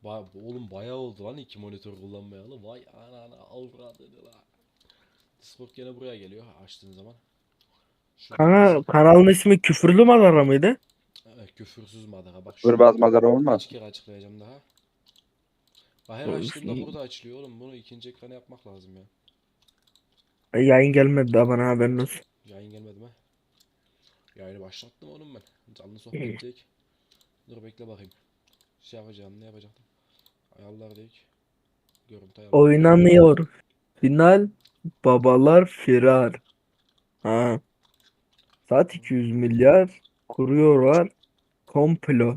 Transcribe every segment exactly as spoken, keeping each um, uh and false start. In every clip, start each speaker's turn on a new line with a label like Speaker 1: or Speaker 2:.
Speaker 1: Ba oğlum bayağı oldu lan iki monitör kullanmayalı. Vay anana avradını la. Discord gene buraya geliyor açtığın zaman. Şuradan
Speaker 2: Kanka
Speaker 1: mesela
Speaker 2: kanalın ismi Küfürlü Madara mıydı?
Speaker 1: evet, küfürsüz madara. Bak şunu
Speaker 3: Hırbaz madara olmaz.
Speaker 1: kaç kere açıklayacağım daha. Bak her açtığımda burada açılıyor oğlum. Bunu ikinci ekrana yapmak lazım ya.
Speaker 2: Yayın gelmedi daha bana, haberin olsun.
Speaker 1: Yayın gelmedi mi? Yayını başlattım oğlum ben. Canlı sohbettik. Dur bekle bakayım. Şey yapacağım, ne yapacaktım? Ayarlar dedik. Görüntü ayarları.
Speaker 2: Oynanıyor. Final babalar firar. Ha. Saat iki yüz milyar kuruyorlar komplo.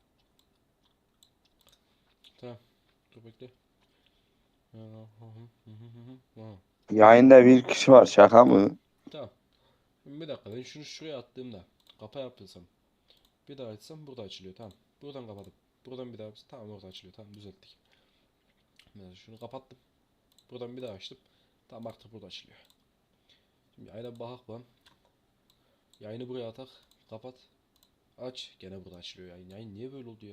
Speaker 1: Tamam. Dur bekle.
Speaker 3: Yayında bir kişi var, şaka mı?
Speaker 1: Tamam. Şimdi bir dakika, ben şunu şuraya attığımda kapa yaptıysam bir daha açsam burada açılıyor, tamam. Buradan kapatıp buradan bir daha yapsam tamam, orada açılıyor, tamam, düzelttik. Mesela şunu kapattım. Buradan bir daha açtım. Tamam, artık burada açılıyor. Şimdi yayına bakak lan. Yayını buraya atak. Kapat. Aç. Gene burada açılıyor yayın. Yayın niye böyle oldu ya?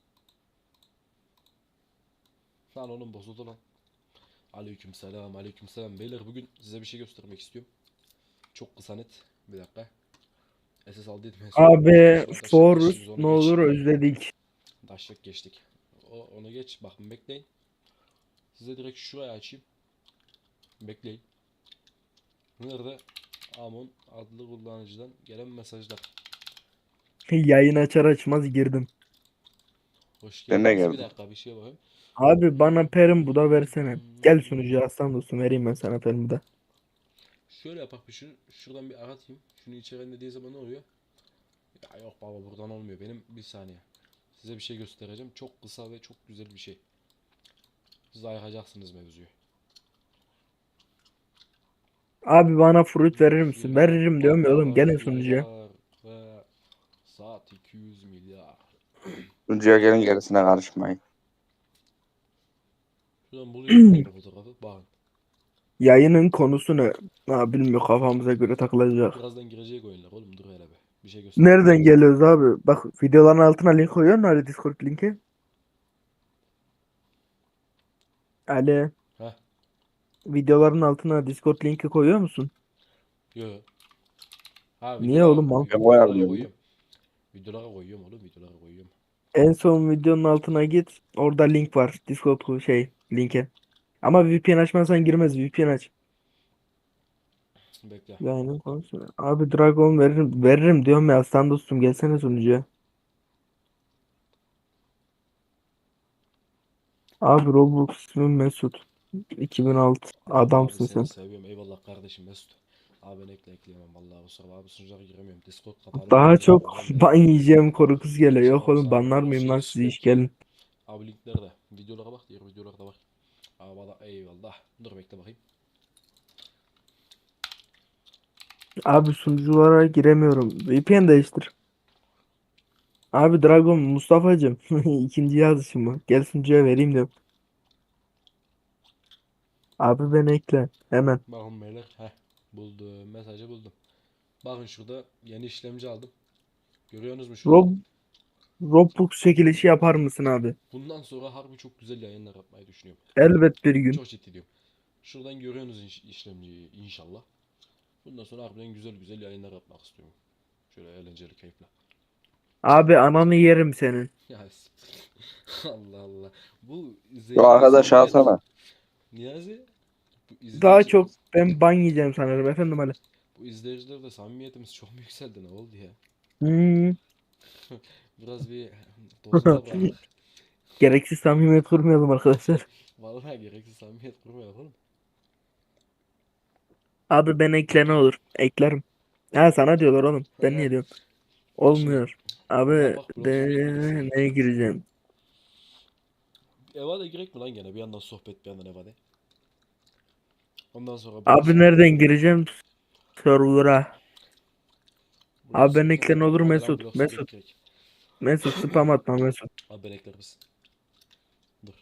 Speaker 1: Lan oğlum bozuldu lan. Aleykümselam, aleykümselam. Beyler bugün size bir şey göstermek istiyorum. Çok kısa net. Bir dakika. S S aldıydım en son.
Speaker 2: Abi
Speaker 1: Sonra taşlık geçtik, biz
Speaker 2: Forus
Speaker 1: onu
Speaker 2: ne
Speaker 1: geç.
Speaker 2: olur özledik.
Speaker 1: Taşlık geçtik. O, onu geç. Bakın bekleyin. Size direkt şuraya açayım. Bekleyin. Nerede? Amon adlı kullanıcıdan gelen mesajlar.
Speaker 2: Yayın açar açmaz girdim.
Speaker 1: Hoş
Speaker 3: Ben de
Speaker 1: geldiniz. Bir
Speaker 3: geldim.
Speaker 1: dakika bir şey bakayım.
Speaker 2: Abi bana perim bu da versene. Gel sunucuya, aslan dostum, vereyim ben sana perim bu da.
Speaker 1: Şöyle yapak bir şunu. Şuradan bir aratayım. Şunu içeri dediği zaman ne oluyor? Ya yok baba, buradan olmuyor. Benim bir saniye. Size bir şey göstereceğim. Çok kısa ve çok güzel bir şey. Siz ayıkacaksınız mevzuyu.
Speaker 2: Abi bana fruit verir misin?
Speaker 1: Firar,
Speaker 2: Veririm diyorum ya oğlum,
Speaker 1: babalar
Speaker 2: gelin sunucuya.
Speaker 1: firar ve saat iki yüz milyar.
Speaker 3: Sunucuya gelin, gerisine karışmayın.
Speaker 1: Şuradan buluyorum bir tane fotoğrafı. Bakın.
Speaker 2: Yayının konusu ne? Ha, bilmiyorum, kafamıza göre takılacak.
Speaker 1: Birazdan girecek oyunlar oğlum, dur hele be. Bir şey göstereceğim
Speaker 2: Nereden
Speaker 1: size.
Speaker 2: geliyoruz abi? Bak, videoların altına link koyuyorsun, hadi Discord linki. Ali,
Speaker 1: Heh.
Speaker 2: videoların altına Discord linki koyuyor musun?
Speaker 1: Yo. Ha
Speaker 2: Niye
Speaker 1: videolara,
Speaker 2: oğlum? Mal?
Speaker 3: Ben
Speaker 1: videolara
Speaker 3: koyabiliyorum.
Speaker 1: koyuyorum. Videolara koyuyorum oğlum, videolara koyuyorum.
Speaker 2: En son videonun altına git. Orada link var. Discord şey linke. Ama V P N açmazsan girmez. V P N aç.
Speaker 1: Bekle.
Speaker 2: Yayının konusu. Abi Dragon veririm. Veririm diyorum ya. Aslan dostum, gelsene sunucuya. Abi Roblox ismim Mesut. iki bin altı.
Speaker 1: Abi
Speaker 2: Adamsın
Speaker 1: seni
Speaker 2: sen.
Speaker 1: seviyorum, eyvallah kardeşim Mesut. Abi ben ekle ekleyemem vallahi, kusura bakma, abi sunucuya giremiyorum. Discord kapalı,
Speaker 2: Daha
Speaker 1: videolara
Speaker 2: çok
Speaker 1: giremiyorum.
Speaker 2: ban yiyeceğim korkusu geliyor.
Speaker 1: Sağ
Speaker 2: Yok
Speaker 1: ol
Speaker 2: oğlum,
Speaker 1: sağ ol,
Speaker 2: banlar mıyım
Speaker 1: olsun
Speaker 2: lan sizi, iş
Speaker 1: respect.
Speaker 2: gelin.
Speaker 1: Abi linklerde videolara bak, diğer videolarda bak. Abi valla eyvallah. Dur bekle bakayım.
Speaker 2: Abi sunuculara giremiyorum. V P N değiştir. Abi Dragon Mustafa'cım. İkinci yazışım bu. Gel sunucuya vereyim diyorum. Abi beni ekle. Hemen.
Speaker 1: Bakın beyler, heh, buldum, mesajı buldum. Bakın şurada yeni işlemci aldım. Görüyorsunuz mu şurada?
Speaker 2: Rob Roblox çekilişi yapar mısın abi?
Speaker 1: Bundan sonra harbi çok güzel yayınlar yapmayı düşünüyorum.
Speaker 2: Elbet bir gün.
Speaker 1: Çok ciddi diyorum. Şuradan görüyorsunuz iş, işlemciyi inşallah. Bundan sonra harbiden güzel güzel yayınlar yapmak istiyorum. Şöyle eğlenceli, keyifli.
Speaker 2: Abi ananı yerim senin.
Speaker 1: Ya siktir. Allah Allah. Bu
Speaker 3: Şu
Speaker 1: izleyiciler
Speaker 3: arkadaşı
Speaker 1: samimiyet.
Speaker 3: alsana.
Speaker 1: Niyazi, bu
Speaker 2: Daha
Speaker 1: izleyici
Speaker 2: çok ben ban yiyeceğim sanırım efendim Ali.
Speaker 1: bu izleyicilerle samimiyetimiz çok mu yükseldi, ne oldu ya?
Speaker 2: Hmm.
Speaker 1: Biraz bir dozuna bıraktık.
Speaker 2: Gereksiz samimiyet kurmayalım arkadaşlar.
Speaker 1: Vallahi gereksiz samimiyet kurmayalım oğlum.
Speaker 2: Abi ben ekle ne olur. Eklerim. Ha, sana diyorlar oğlum. Ben niye diyorum.
Speaker 1: Bak şimdi
Speaker 2: Olmuyor. Abi
Speaker 1: oynamak
Speaker 2: de
Speaker 1: biraz uzun gibi sürecek.
Speaker 2: neye gireceğim?
Speaker 1: Eva'da girek mi lan gene? Bir yandan sohbet, bir yandan Eva'da. Ondan sonra burası
Speaker 2: Abi nereden gireceğim? Server'a.
Speaker 1: buraya
Speaker 2: Abi ben
Speaker 1: sıkıntı
Speaker 2: ekle
Speaker 1: mı?
Speaker 2: ne olur
Speaker 1: Hadi lan
Speaker 2: Mesut.
Speaker 1: blok
Speaker 2: Mesut.
Speaker 1: girek girek.
Speaker 2: Mesut spam atma Mesut.
Speaker 1: Abi ben ekler misin? Dur.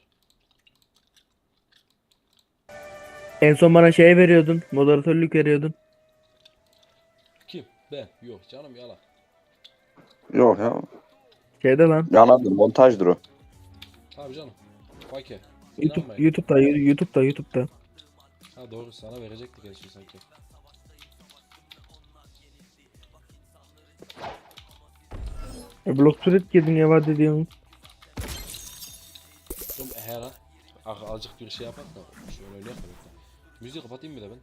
Speaker 2: En son bana şey veriyordun. Moderatörlük veriyordun.
Speaker 1: Kim? Ben. Yok canım, yalan.
Speaker 3: Yok ya.
Speaker 2: Şeyde lan.
Speaker 3: Yalandır, montajdır o.
Speaker 1: Tabii canım. Fake.
Speaker 2: YouTube,
Speaker 1: İnanmayın.
Speaker 2: YouTube'da, YouTube'da, YouTube'da.
Speaker 1: Ha doğru, sana verecektik en son sanki.
Speaker 2: E, blok turret girdin ya var dediğim.
Speaker 1: Dur her an az- azıcık bir şey yapak da şöyle öyle yapalım. Müziği kapatayım bir de ben.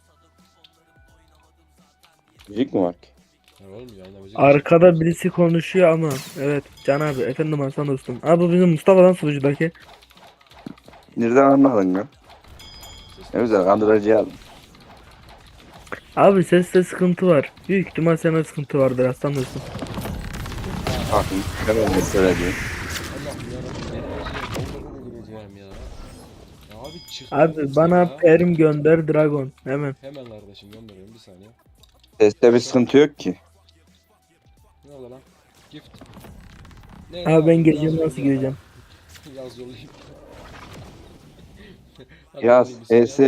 Speaker 3: Müzik mi var ki?
Speaker 1: Ya oğlum yayında müzik
Speaker 2: Arkada birisi konuşuyor ama. Evet Can abi, efendim Hasan dostum. Abi bu bizim Mustafa'dan sunucudaki.
Speaker 3: Nereden anladın ya? Ne güzel kandırıcı aldım.
Speaker 2: Abi seste sıkıntı var. Büyük ihtimal sende sıkıntı vardır Hasan dostum.
Speaker 3: Bakın ben öyle söyleyeyim.
Speaker 1: Allah'ım yarabbim, enerjiye doldurma gireceğim ya. Ya abi çıktı
Speaker 2: Abi bana perm gönder Dragon hemen.
Speaker 1: Hemen kardeşim gönderiyorum, bir saniye.
Speaker 3: Seste bir sıkıntı yok ki.
Speaker 1: Ne oldu lan? Gift. Ne,
Speaker 2: Abi ben
Speaker 1: yapayım?
Speaker 2: gireceğim,
Speaker 1: Yaz
Speaker 2: nasıl
Speaker 1: yolla.
Speaker 2: gireceğim?
Speaker 1: Yaz yollayayım. Hadi
Speaker 3: Yaz.
Speaker 1: yollayayım bir saniye.
Speaker 3: Esi.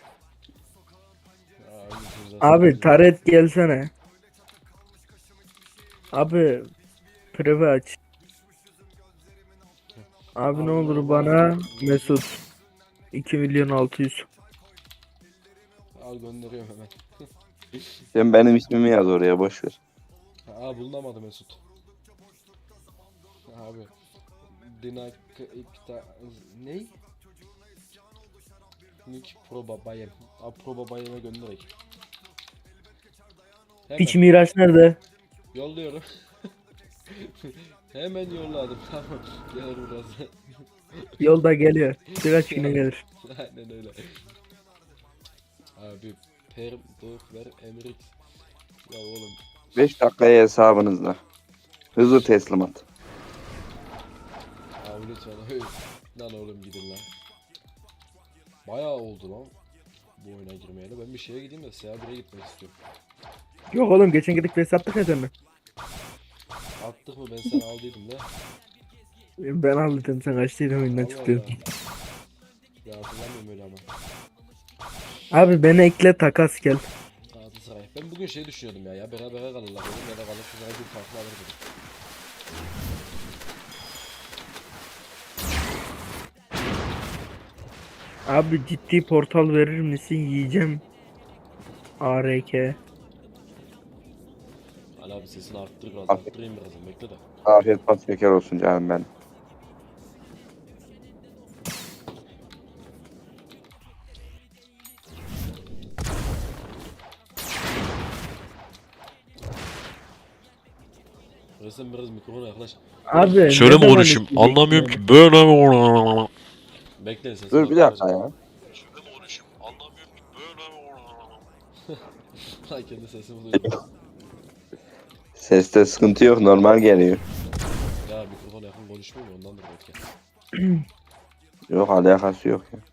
Speaker 1: Aa, öyle zaten.
Speaker 2: Abi taret gelsene. Abi preve aç. Abi ne olur bana Mesut. iki milyon altı yüz.
Speaker 1: Al gönderiyorum hemen.
Speaker 3: Sen benim ismimi yaz oraya boş ver.
Speaker 1: Aa bulunamadı Mesut. Abi. Dinak ikta ne? Nick Pro Babayem. Abi Pro Babayem'e gönderek. Hemen
Speaker 2: Piç Miraç nerede?
Speaker 1: yolluyorum. Hemen yolladım. Tamam. Gelir biraz.
Speaker 2: Yolda geliyor. Birkaç güne gelir.
Speaker 1: Aynen öyle. Abi perm dur ver emrik. Ya oğlum.
Speaker 3: beş dakikaya hesabınızda. Hızlı teslimat.
Speaker 1: Abi lütfen öyle. Lan oğlum gidin lan. Bayağı oldu lan. Bu oyuna girmeyeli. Ben bir şeye gideyim de S A bire gitmek istiyorum.
Speaker 2: Yok oğlum, geçen gidip res attık ya seninle.
Speaker 1: Attık mı, ben seni aldıydım da.
Speaker 2: Ben aldım, sen kaçtıydın oyundan
Speaker 1: Allah
Speaker 2: çıktın.
Speaker 1: Allah. Ya hatırlamıyorum öyle ama.
Speaker 2: Abi beni ekle, takas gel.
Speaker 1: Galatasaray. Ben bugün şey düşünüyordum ya, ya beraber kalırlar dedim ya da Galatasaray bir farklı alır dedim.
Speaker 2: Abi ciddi portal verir misin? Yiyeceğim. A R K.
Speaker 1: Ali abi sesini arttır biraz,
Speaker 3: Abi.
Speaker 1: arttırayım birazdan, bekle de.
Speaker 3: Afiyet bal şeker olsun canım ben.
Speaker 1: Resim biraz mikrofona yaklaş.
Speaker 2: Abi
Speaker 4: Şöyle
Speaker 2: ne
Speaker 4: mi
Speaker 2: zaman
Speaker 4: konuşayım?
Speaker 2: isteyeceksin
Speaker 4: Anlamıyorum
Speaker 2: yani?
Speaker 4: ki. Böyle mi?
Speaker 1: Bekle sesini
Speaker 3: Dur bir dakika
Speaker 1: arttıracağım.
Speaker 3: ya.
Speaker 4: Şöyle mi konuşayım? Anlamıyorum ki. Böyle mi?
Speaker 1: Lan kendi sesimi duydum.
Speaker 3: Seste sıkıntı yok, normal geliyor.
Speaker 1: Ya mikrofona yakın konuşmuyor mu, ondandır belki.
Speaker 3: Yok alakası yok ya.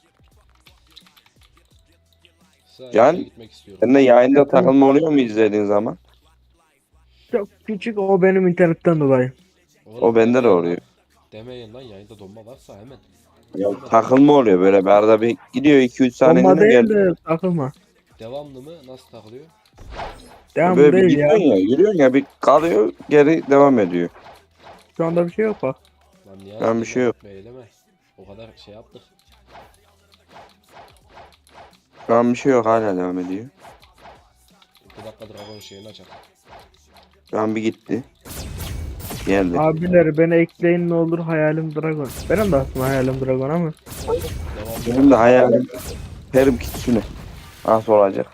Speaker 1: Sadece
Speaker 3: Can,
Speaker 1: gitmek istiyorum.
Speaker 3: Sen de yayında takılma oluyor mu izlediğin zaman?
Speaker 2: Çok küçük, o benim internetten dolayı.
Speaker 1: Oğlum,
Speaker 3: O bende de
Speaker 1: demeyin
Speaker 3: oluyor.
Speaker 1: lan. Demeyin lan, yayında donma varsa hemen.
Speaker 3: Ya, takılma oluyor böyle bir arada bir gidiyor iki üç
Speaker 2: Bomba
Speaker 3: saniyede
Speaker 2: değil
Speaker 3: gel.
Speaker 2: de takılma.
Speaker 1: Devamlı mı? Nasıl takılıyor?
Speaker 2: Devam
Speaker 3: Böyle bir
Speaker 2: değil ya.
Speaker 3: gidiyorsun ya, yürüyorsun ya bir kalıyor geri devam ediyor.
Speaker 2: Şu anda bir şey yok bak.
Speaker 1: Lan niye
Speaker 3: Ben bir şey yok.
Speaker 1: Eyleme. O kadar şey yaptık.
Speaker 3: Şu an bir şey yok, hala devam ediyor.
Speaker 1: iki dakika Dragon şeyini açalım.
Speaker 3: Şu an bir gitti. Geldi.
Speaker 2: Abiler beni ekleyin ne olur, hayalim Dragon. Benim de aslında hayalim Dragon ama.
Speaker 1: Devamlı.
Speaker 3: Benim de hayalim Perim Kitsune. Nasıl olacak?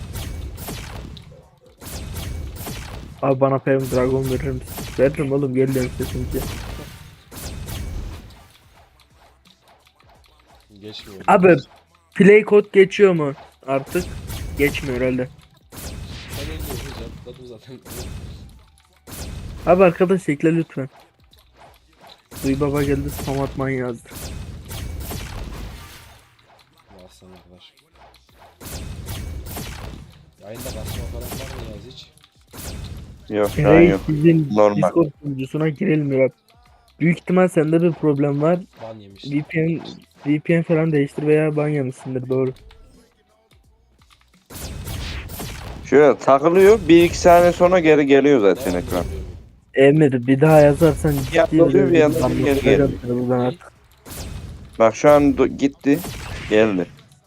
Speaker 2: Abi bana Perm Dragon verir misin? Veririm oğlum, geliyorum sesince.
Speaker 1: Geçmiyor.
Speaker 2: Abi play kod geçiyor mu artık? Geçmiyor herhalde.
Speaker 1: Ben öyle hocam. Zaten zaten.
Speaker 2: Abi arkadaş ekle lütfen. Duy baba geldi, spam atman yazdı.
Speaker 1: Aslan arkadaş. Yayında basma falan var mı yaz hiç?
Speaker 3: Yok şu an
Speaker 2: Reis
Speaker 3: yok.
Speaker 2: sizin
Speaker 3: Normal.
Speaker 2: Discord sunucusuna girilmiyor. Büyük ihtimal sende bir problem var.
Speaker 1: Ban yemiş.
Speaker 2: V P N V P N falan değiştir veya ban yemişsindir, doğru.
Speaker 3: Şöyle takılıyor bir iki saniye sonra geri geliyor zaten
Speaker 1: Devamlı
Speaker 3: ekran.
Speaker 1: oluyor bu.
Speaker 2: Emir bir daha yazarsan
Speaker 3: Ya,
Speaker 2: ciddi
Speaker 3: oluyor bir
Speaker 2: bir
Speaker 3: yandan
Speaker 2: ben
Speaker 3: bir geri
Speaker 2: bakacağım
Speaker 3: geliyor.
Speaker 2: seni buradan artık.
Speaker 3: Bak şu an do- gitti. Geldi.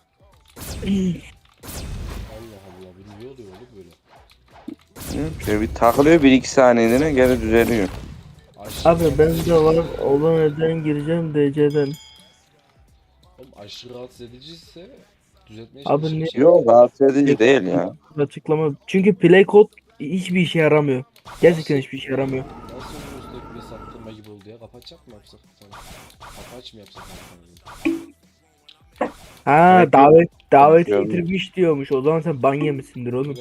Speaker 1: Allah Allah bu niye oluyor oğlum böyle?
Speaker 3: Hı, Şöyle bir takılıyor bir iki saniyede geri düzeliyor.
Speaker 1: Aşırı
Speaker 2: Abi
Speaker 1: rahatsız
Speaker 2: ben
Speaker 1: edici
Speaker 2: de var
Speaker 1: ise-
Speaker 2: olan neden gireceğim D C'den.
Speaker 1: Oğlum aşırı rahatsız ediciyse düzeltmeye
Speaker 2: Abi
Speaker 1: çalışırım.
Speaker 2: niye-
Speaker 1: Şey
Speaker 3: Yok
Speaker 1: yapayım.
Speaker 3: rahatsız edici değil ya.
Speaker 2: Açıklama. Çünkü play code hiçbir işe yaramıyor. Gerçekten
Speaker 1: Nasıl?
Speaker 2: hiçbir işe yaramıyor.
Speaker 1: Nasıl üstteki bir saptırma gibi oldu ya? Kapatacak mı yapsak? Sana? Kapaç mı yapsak?
Speaker 2: Ha
Speaker 3: Evet,
Speaker 2: davet davet
Speaker 3: Konuşuyorum.
Speaker 2: getirmiş diyormuş. O zaman sen ban yemişsindir oğlum.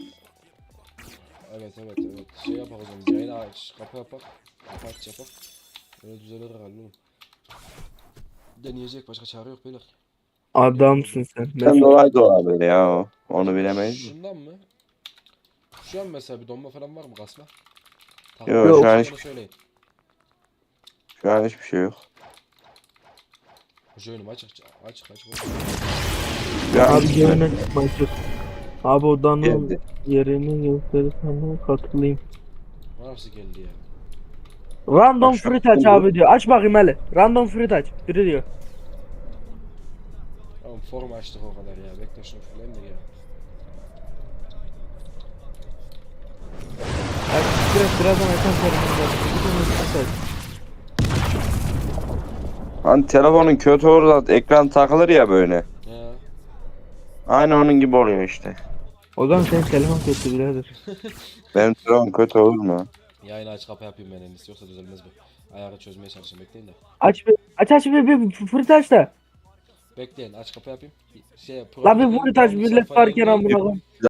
Speaker 1: Evet evet evet. Şey yapak o zaman. Yayını aç. Kapı yapak. Kapı aç yapak. Öyle düzelir herhalde oğlum. Deneyecek başka çare yok beyler.
Speaker 2: Adamsın sen.
Speaker 3: Sen
Speaker 2: Mesut.
Speaker 3: dolayı da olabilir ya o. Onu bilemeyiz. mi?
Speaker 1: Şundan mı? Şu an mesela bir donma falan var mı kasma?
Speaker 3: Yok,
Speaker 2: şu
Speaker 3: an
Speaker 1: Onu
Speaker 3: hiç-
Speaker 1: söyleyin.
Speaker 3: Şu an hiçbir şey yok.
Speaker 1: Join'um aç aç aç aç.
Speaker 3: Şu an
Speaker 2: Abi
Speaker 3: hiçbir şey yok.
Speaker 2: gelme Mesut. Abi odanın
Speaker 3: Geldi.
Speaker 2: yerini gösterirsen katılayım.
Speaker 1: Nasıl geldi ya?
Speaker 2: Random
Speaker 3: Bak şu an
Speaker 2: fruit aç
Speaker 3: oldu.
Speaker 2: abi diyor. Aç bakayım hele. Random fruit aç. Biri diyor.
Speaker 1: Tamam form açtık o kadar ya. Bekle şunu fullayayım da ya.
Speaker 2: Aç biraz birazdan açan sorumlu.
Speaker 3: Hani telefonun kötü olur da ekran takılır ya böyle.
Speaker 1: Ya.
Speaker 3: Aynı onun gibi oluyor işte.
Speaker 2: O zaman senin telefon kötü birader.
Speaker 3: Benim telefon kötü olur mu?
Speaker 1: Yayını aç kapa yapayım ben en iyisi yoksa düzelmez bu. Ayarı çözmeye çalışayım bekleyin de.
Speaker 2: Aç bir aç aç bir, bir fruit aç da.
Speaker 1: Bekleyin aç kapa yapayım. Şey
Speaker 2: La bir
Speaker 1: profilden
Speaker 2: fruit aç
Speaker 1: download
Speaker 2: millet
Speaker 1: sayfaya
Speaker 2: varken
Speaker 1: inmeyin.
Speaker 2: amına koyayım.